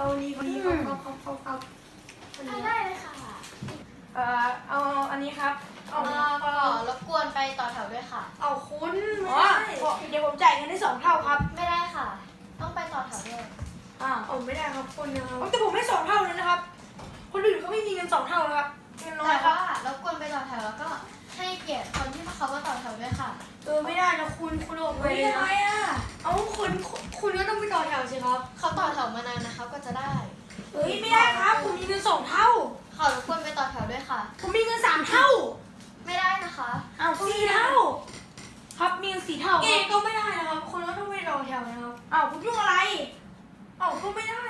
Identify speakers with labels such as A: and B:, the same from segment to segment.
A: ดีครับ
B: ได้เลยค่ะ
A: เอาอันนี้ครับ
B: ก็รบกวนไปต่อแถวด้วยค่ะ
A: เอาคุณอ๋อเดี๋ยวผมจ่ายเงินได้2 เท่าครับ
B: ไม่ได้ค่ะ ต้องไปต่อแถวด้วย
A: ไม่ได้ครับคุณนะครับแต่ผมไม่2 เท่าเลยนะครับคนอื่นเขาไม่มีเงิน2 เท่านะครับเงินน้อยครับ
B: แต่ว่ารบกวนไปต่อแถวแล้วก็ให้เกียรติคนที่เขามาต่อแถวด้วยค่ะ
A: ไม่ได้นะคุณออกไปเลยนะเอาคุณก็ต้องไปต่อแถวสิครับ
B: เขาต่อแถวมานานนะคะก็จะได้
A: ไม่ได้ครับผมมีเงิน2 เท่า
B: ขอรบกวนไปต่อแถวด้วยค่ะ
A: ผมมีเงิน3 เท่า
B: ไม่ได้นะคะ
A: 4 เท่าครับมีเงิน4 เท่าก็ไม่ได้นะครับคุณก็ต้องไปต่อแถวนะครับคุณยุ่งอะไรก็ไม่ได้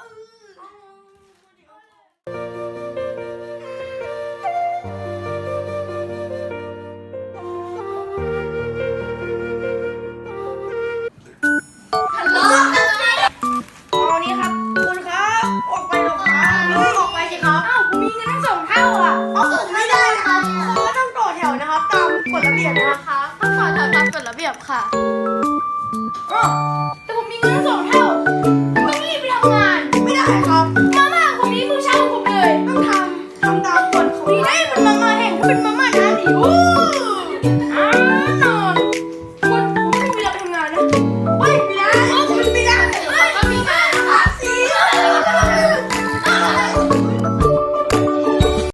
A: เอานี้ครับคุณครับออกไปหรอกครับออกไปสิครับผมมีเงินทั้ง2 เท่าผมไม่ได้ครับคุณก็ต้องต่อแถวนะครับตามกฎระเบียบนะคะ
B: ต้องต่อแถวตามกฎระเบียบค่ะ